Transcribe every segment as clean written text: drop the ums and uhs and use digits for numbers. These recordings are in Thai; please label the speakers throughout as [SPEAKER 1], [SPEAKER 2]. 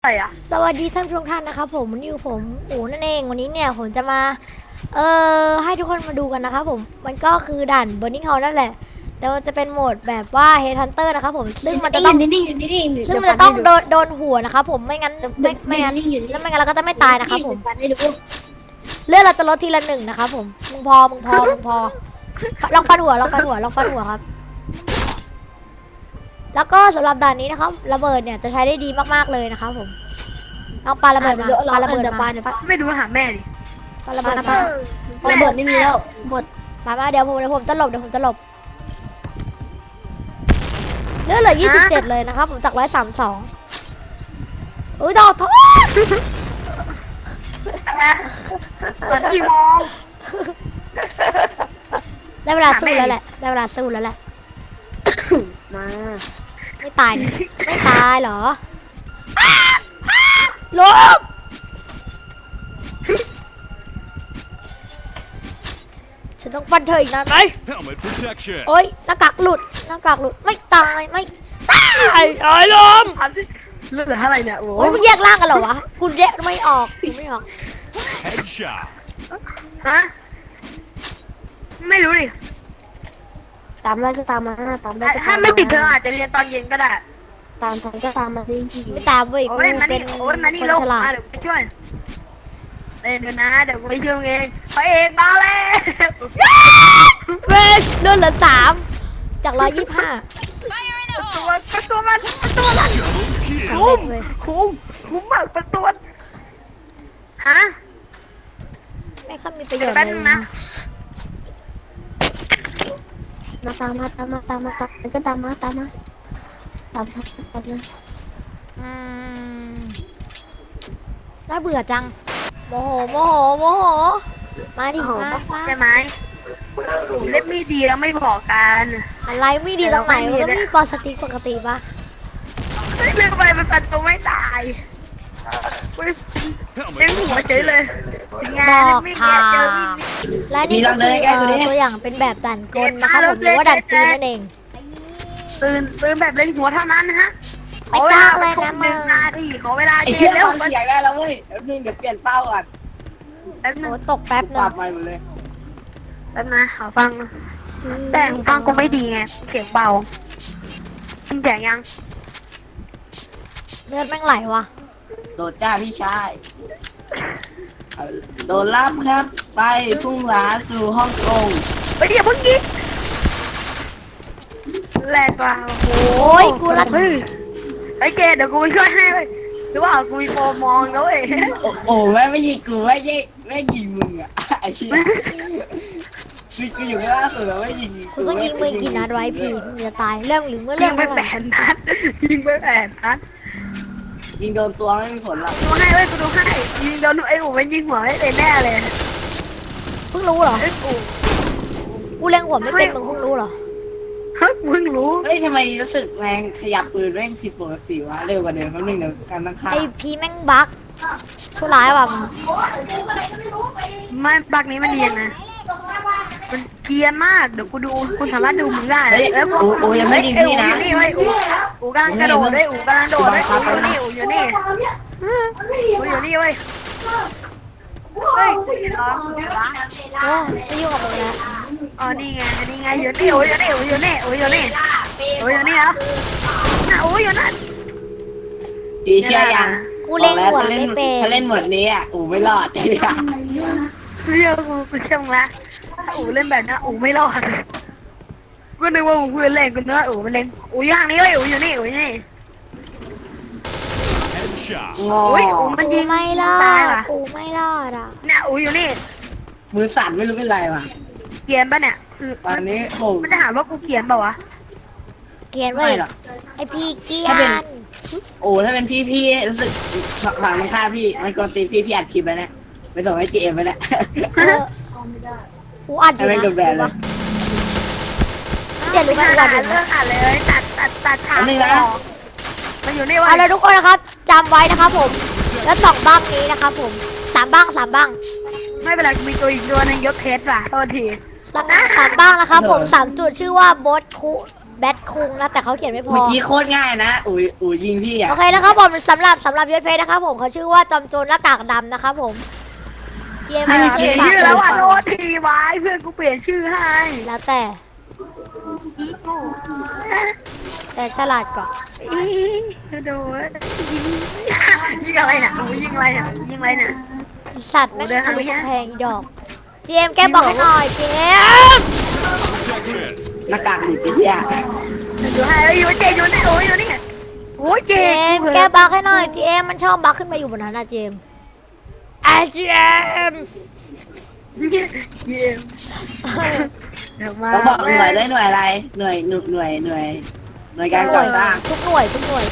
[SPEAKER 1] อะไรอ่ะ
[SPEAKER 2] สวัสดีท่านผู้ชมท่านนะครับผมวันนี้อยู่ผมอู๋นั่นเองวันนี้เนี่ยผมจะมาให้ทุกคนมาดูกันนะครับผมมันก็คือด่าน Burning Hall นั่นแหละแต่มันจะเป็นโหมดแบบว่า Headhunter นะครับผมซึ่งมันจะต้องซึ่งมันจะต้องโดนหัวนะครับผมไม่งั้นไม่งั้นแล้วไม่งั้นเราก็จะไม่ตายนะครับผมเลือดเราจะลดทีละ1นะครับผมมึงพอลองฟันหัวครับแล้วก็สำหรับด่านนี้นะครับระเบิดเนี่ยจะใช้ได้ดีมากๆเลยนะครับผมลองปาระเบิดมาปาระเบิดมา
[SPEAKER 1] ไม่ดูหาแม่ดิ
[SPEAKER 2] ปาระเบิดมา
[SPEAKER 3] ระเบิดไม่มีแล้วหมด
[SPEAKER 2] มาเดี๋ยวผมตลบเลือดเหลือ27เลยนะครับผมจาก132อุ้ยดอกทอด
[SPEAKER 1] ตอนกี่โมง
[SPEAKER 2] ได้เวลาสู้แล้วแหละ
[SPEAKER 3] มา
[SPEAKER 2] ไม่ตายเหรอลบฉันต้องฟันเธออีกนานไหม
[SPEAKER 4] Helmet protection.
[SPEAKER 2] โอ๊ยหน้ากากหลุดไม่ตายลม
[SPEAKER 1] ถามสิเลือดเหลือเท่าไหร่เนี่ยโอ้
[SPEAKER 2] โอ๊ยมึงแยกร่างกันเหรอวะกูแยกไม่ออก
[SPEAKER 4] Headshot.
[SPEAKER 1] ฮะไม่รู้ดิ
[SPEAKER 3] ตามได้ก็ตามมาตามได้ก็
[SPEAKER 1] ถ้าไม่ติดเธออาจจะเรียนตอนเย็นก็ได้
[SPEAKER 3] ตามฉันก็ตามมาสิ
[SPEAKER 2] ไม่ตามเว้ยกู
[SPEAKER 1] โอ้ยมา
[SPEAKER 2] เป็
[SPEAKER 1] นี่
[SPEAKER 2] น
[SPEAKER 1] โอ้ยมานี่
[SPEAKER 2] คน
[SPEAKER 1] ลง
[SPEAKER 2] ฉลา
[SPEAKER 1] มา
[SPEAKER 2] ด
[SPEAKER 1] เดี๋ยวไปช่วยเดี๋ยวนะเดี๋ยวไปช่วยเองพระเอกมาแล้ว
[SPEAKER 2] เวชเลือดเหลือ3จาก125
[SPEAKER 1] ประตูมัน
[SPEAKER 2] สำเร็จเลย
[SPEAKER 1] คุ้มมากประตูฮะ
[SPEAKER 2] ไม่ค่อยมีประโยชน์
[SPEAKER 1] แป๊บ
[SPEAKER 2] เล
[SPEAKER 1] นึ
[SPEAKER 2] ย
[SPEAKER 1] งนะ
[SPEAKER 3] มาตามมาก็ตามมาตามนะ
[SPEAKER 2] อืมน่าเบื่อจังโมโหมาดิมา
[SPEAKER 1] ใช่ไหมเล่นไม่ดีแล้วไม่บอกกัน
[SPEAKER 2] อะไรไม่ดีตรงไหนมันก็มีปอสติกปกติปะ
[SPEAKER 1] เรื่องไปเป็นประตูไม่ตายเล่นหัวเฉยเลยงา
[SPEAKER 2] ด
[SPEAKER 1] น
[SPEAKER 2] อก
[SPEAKER 1] ไม่
[SPEAKER 2] ทา
[SPEAKER 1] เจอ
[SPEAKER 2] และนี่ก็คือตัวอย่างเป็นแบบดันกลนะครับผมหรือว่าดันปืนนั่นเอง
[SPEAKER 1] ปืนแบบเล่นหัวเท่านั้นนะฮะ
[SPEAKER 2] ไม่กล้าเลยนะมึง
[SPEAKER 1] นาทีขอเวลา
[SPEAKER 5] ไอ้
[SPEAKER 1] เจ
[SPEAKER 5] เชี่ย
[SPEAKER 1] เร็ว
[SPEAKER 5] ฟังเสียงได้แล้วเว้ยแป๊บนึงเดี๋ยวเปลี่ยนเป้าก่อน
[SPEAKER 1] แป๊บนึ
[SPEAKER 2] โอ้
[SPEAKER 1] ง
[SPEAKER 2] ตกแป๊บ
[SPEAKER 5] ป
[SPEAKER 2] นึ
[SPEAKER 5] รั
[SPEAKER 2] ง
[SPEAKER 5] บใหม่หมดเลย
[SPEAKER 1] แป๊บนะขอฟัง แต่หูฟังกูไม่ดีไงเสียงเบามันแจกยัง
[SPEAKER 2] เลือดแม่งไหลวะ
[SPEAKER 5] โดดจ้าพี่ชายโดนรับครับ ไปพุ่งหลาสู่ฮ่องกง
[SPEAKER 1] ไปเดี๋ยวเพิ่งยิงแรงกว่า
[SPEAKER 2] โอ้ยกูรัด
[SPEAKER 1] เฮ้ยไอ้เกดเดี๋ยวกูไปช่วยให้เลยหรือว่ากูมีโปรมองแล้วเว้ย
[SPEAKER 5] โอ้แม่ไม่ยิงกูไม่ยิงมึงอ่ะไอ้เชี่ยกูอยู่ข้างล่างสุดแล้วไม่ยิง
[SPEAKER 2] กูต้องยิงมึงกี่นัดไว้พี่มึงจะตายเรื่องหรือเมื่อ
[SPEAKER 1] ยิ
[SPEAKER 2] เรื่อง ง
[SPEAKER 1] ไป
[SPEAKER 2] เท่า
[SPEAKER 1] แป
[SPEAKER 2] ไหร่
[SPEAKER 1] ดนัดยิงไปแปดนัด
[SPEAKER 5] ยิงโดนตัวไม่มีผลหรอก
[SPEAKER 1] ดูให้เว้ยกูดูให้ยิงโดนไอ้หมูมันยิงหัวไม่เลยแน่เลย
[SPEAKER 2] เพิ่งรู้เหรอ
[SPEAKER 1] ไอ้กู
[SPEAKER 2] กูเล็งหัวไม่เป็นมึงเพิ่งรู้เหรอ
[SPEAKER 1] เฮ้ยมึงรู้
[SPEAKER 5] เฮ้ยทำไมรู้สึกแรงขยับปืนแม่งผิดปกติวะเร็วกว่าเดิมแป๊บนึงเดี๋ยวการตั้งค่า
[SPEAKER 2] ไอพีแม่งบั๊กชั่วร้ายว่ะมึง
[SPEAKER 1] ไม่บักนี้มันเรียนนะมันเกรียนมากเดี๋ยวกูดูคุณสามารถดูมึงได้
[SPEAKER 5] เฮ้ย
[SPEAKER 1] แล้วกู
[SPEAKER 5] โอ้ยังไม่ยิงพี่นะ
[SPEAKER 1] นี่เว้ยอูกำลังกระโดดเว้ยอูกำลังโดดเว้ยอูอยู่นี่อูอยู่นี่เว้ยเฮ้ยกูอยู่ร้อง
[SPEAKER 2] โอ้ไม่ยุ่งกับมึงแล้ว
[SPEAKER 1] อ๋อนี่ไงอยู่นี่อูอยู่นี่อูอยู่นี่อูอยู่นี่อูอยู่นี่เหรอน่ะอูอยู่นั่น
[SPEAKER 5] พี่เชื่อยัง
[SPEAKER 2] กูเล็งหัว
[SPEAKER 5] ถ้า
[SPEAKER 2] ไม่เป็น
[SPEAKER 5] ถ้าเล่นหมดนี้อ่ะอูไม่รอด
[SPEAKER 1] เรียกกูเชื่อมึงละถ้าอูเล่นแบบนี้อูไม่รอดกูนึกว่าอูเพื่อนเล่นกูนึกว่าอูมันเล่นอูอยู่ทางนี้เว้ยอูอยู่นี่อูอยู่นี่
[SPEAKER 4] Headshot.
[SPEAKER 5] งอ
[SPEAKER 1] อุ้ยอูมัน
[SPEAKER 2] กู
[SPEAKER 1] ยิง
[SPEAKER 2] ไม่รอ
[SPEAKER 1] ตาย
[SPEAKER 2] ด
[SPEAKER 1] ว่ะ
[SPEAKER 2] กูไม่รอดอ่ะ
[SPEAKER 1] เนี่ยอูอยู่นี่
[SPEAKER 5] มือสั่นไม่รู้เป็นไรว่ะ
[SPEAKER 1] เขียนป่ะเนี่ย
[SPEAKER 5] ตอนนี้โอ้
[SPEAKER 1] มันจะหาว่ากูเขียนเปล่าวะ
[SPEAKER 2] เกลียนเว้
[SPEAKER 5] ไม่
[SPEAKER 2] ย
[SPEAKER 5] หรอก
[SPEAKER 2] ไอพี่เกลีย
[SPEAKER 5] ถ้าเป็น
[SPEAKER 2] น
[SPEAKER 5] โอ้ถ้าเป็นพี่รู้สึกฝั่งมันฆ่าพี่มันกดตีพี่อัดคลิปไปนะไปส่งให้เจมไปนะ
[SPEAKER 2] เออกูอัดอยู่
[SPEAKER 5] ไม่
[SPEAKER 2] นะ
[SPEAKER 5] โดนแบนเลย
[SPEAKER 2] เดี๋ยวรู้ไหม
[SPEAKER 1] ไม่
[SPEAKER 2] กูอั
[SPEAKER 1] อ่า
[SPEAKER 2] ด
[SPEAKER 1] น
[SPEAKER 2] อยู่
[SPEAKER 1] เรื่อ
[SPEAKER 2] นะ
[SPEAKER 1] งอ่านเลยตัดฉาก
[SPEAKER 5] อันนี้นะ
[SPEAKER 1] ออกมันอยู่นี่วะ
[SPEAKER 2] เอาเลยทุกคนนะครับจำไว้นะครับผม แล้ว2บ้างนี้นะครับผม3บ้าง
[SPEAKER 1] ไม่เป็นไรกูมีตัวอีกตัวหนึงยกเทสว่ะโทษที
[SPEAKER 2] 3บ้างนะครับผม3จุดชื่อว่าโบสคุแบทคุงนะแต่เขาเขียนไม่พอ
[SPEAKER 5] เมื่อกี้โคตรง่ายนะอุ๋ยยิงพี่อ่ะ
[SPEAKER 2] โอเคนะครับผมสำหรับยศเพชรนะครับผมเขาชื่อว่าจอมโจรหน้ากากดำนะครับผมเจียม
[SPEAKER 1] เปลี่ยนชื่อแล้วอ่ะโทษทีไว้เพื่อนกูเปลี่ยนชื่อให้
[SPEAKER 2] แล้วแต่
[SPEAKER 1] อีโก้
[SPEAKER 2] แต่ฉลาดกว่า
[SPEAKER 1] อีโดนยิงอะไรเนี่ยอูยิงอะไรเนี่ยยิงอะไรเนี่ย
[SPEAKER 2] สัตว์แม่ง
[SPEAKER 1] เดิน
[SPEAKER 2] ทะ
[SPEAKER 1] ทาง
[SPEAKER 2] ลุ
[SPEAKER 1] ไปแค่
[SPEAKER 2] กำแพงอีดอกเจมส์แกบอกให้หน่อยเจมส์
[SPEAKER 4] Protection.
[SPEAKER 5] หน้ากากหลุดไปพี่อ่ะ
[SPEAKER 1] ดูให้อยู่เจอยู่นี่โอ้ยอยู่นี่โอ้ยเจ
[SPEAKER 2] เจมส์แกบอกให้หน่อยเจมส์มันชอบบักขึ้นมาอยู่บนนั้นนะเจมส์เจมส์
[SPEAKER 1] เจเดี๋ยวมา
[SPEAKER 5] แล้วบอกหน่วยได้หน่วยอะไรหน่วยการก่อสร้าง
[SPEAKER 2] ทุกหน่วย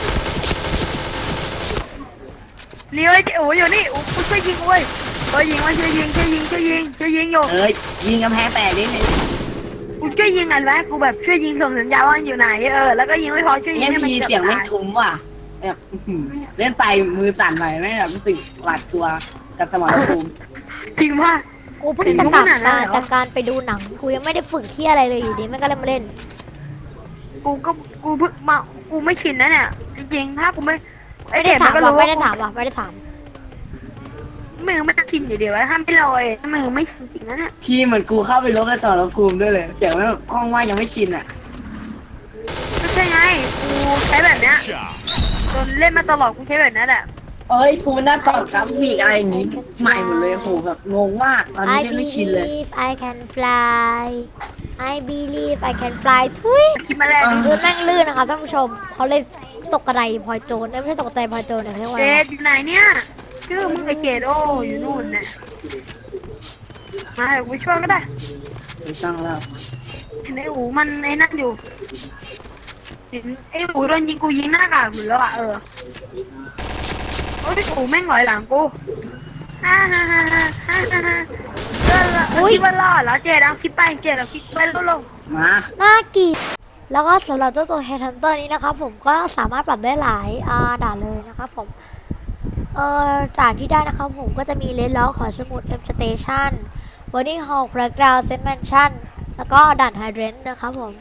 [SPEAKER 1] นี่เว้ยโอ้ยอยู่นี่โอ้กูช่วยยิงเว้ยยิงมาช่วยยิงอยู่
[SPEAKER 5] เอ้ยยิงกำแพงแตกนิดนึง
[SPEAKER 1] กูช่วยยิงอันแรกกูแบบช่วยยิงส่งสัญญาณว่าอยู่ไหนแล้วก็ยิงไม่พอช่วยยิง
[SPEAKER 5] เอ็ม
[SPEAKER 1] ให้มัน
[SPEAKER 5] พี
[SPEAKER 1] เกือบ
[SPEAKER 5] เสียงไม่
[SPEAKER 1] ตาย
[SPEAKER 5] ทุ้มว่ะแบบเล่นไปมือสั่นหน่อยไม่แบบรู้สึกหวาดกลัวกับสมรภูมิ
[SPEAKER 1] จริงว่า
[SPEAKER 2] กูเพิ่งจะกลับมาจากการไปดูหนังกูยังไม่ได้ฝึกที่อะไรเลยอยู่ดีแม่งก็เลยมาเล่น
[SPEAKER 1] กูเพิ่งมากูไม่ชินนะเนี่ยจริงๆถ้ากูไม่
[SPEAKER 2] ไม่ได้ถามว่ะไม่ได้ถามว่ะไม่ได้ถาม
[SPEAKER 1] มือไม่ชินอยู่เดียวถ้าไม่ลอยมือไม่ชินจริงนะเนี่ย
[SPEAKER 5] พี่เหมือนกูเข้าไปลบในสมรภูมิด้วยเลยเสียงแบบคล่องว่ายังไม่ชินอ่ะ
[SPEAKER 1] ไม่ใช่ไงกูใช้แบบเนี้ย
[SPEAKER 4] Shot.
[SPEAKER 1] จนเล่นมาตลอดกูใช้แบบนั้นแหละ
[SPEAKER 5] เอ้ยกูมันได้ปรับกราฟิกอะไรอย่างงี้ใหม่หมดเลยโหแบบงงมากตอนนี้
[SPEAKER 2] I
[SPEAKER 5] เล่นไม่ชินเลย
[SPEAKER 2] believe I can fly I believe I can fly ทุย
[SPEAKER 1] คิดมาแล้ว
[SPEAKER 2] พื้นแม่งลื่นนะครับท่านผู้ชมเขาเลยตกกระไดพลอยโจรไม่ใช่ตกกระไดพลอยโจรเนี่ยเรียกว่า
[SPEAKER 1] เจ
[SPEAKER 2] อะไร
[SPEAKER 1] ดอยู่ไหนเนี่ยชื่อมึงไอเจดโออยู่นู่นเนี่ยมาเดี๋ยวกูช่วยก็ได้
[SPEAKER 5] ไม่ต้องแล้ว
[SPEAKER 1] เห็นไออูมันไอ้นั่นอยู่เห็นไออูโดนยิงกูยิงหน้ากากอยู่แล้วอ่ะโอ้ยอูแม่งหลอยหลังกูฮ่าคิดว่ารอดแล้วเจดเอาคิดไปเจดเอาคิดไปลง
[SPEAKER 5] มา
[SPEAKER 2] น่าเกลียดแล้วก็สำหรับเจ้าตัว Headhunter นี้นะครับผมก็สามารถปรับได้หลายด่านเลยนะครับผมด่านที่ได้นะครับผมก็จะมีเลนล็อกขอสมุด M Station Burning Hall Crackdown Set Mansion แล้วก็ด่าน Hydrant นะครับผม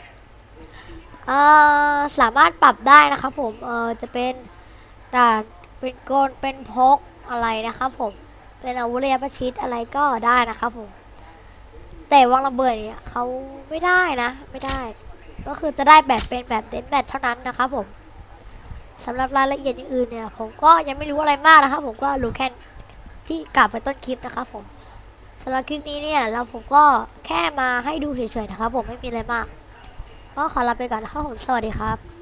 [SPEAKER 2] สามารถปรับได้นะครับผมจะเป็นด่านเป็นโกนเป็นพกอะไรนะครับผมเป็นอาวุธระยะประชิดอะไรก็ได้นะครับผมแต่วางระเบิดเนี่ยเขาไม่ได้นะไม่ได้ ก็คือจะได้แบบเป็นแบบเด่นแบบเท่านั้นนะครับผมสำหรับรายละเอียดอย่างอื่นเนี่ยผมก็ยังไม่รู้อะไรมากนะครับผมก็รู้แค่ที่กล่าวไปต้นคลิปนะครับผมสำหรับคลิปนี้เนี่ยผมก็แค่มาให้ดูเฉยๆนะครับผมไม่มีอะไรมากก็ขอลาไปก่อนนะครับผมสวัสดีครับ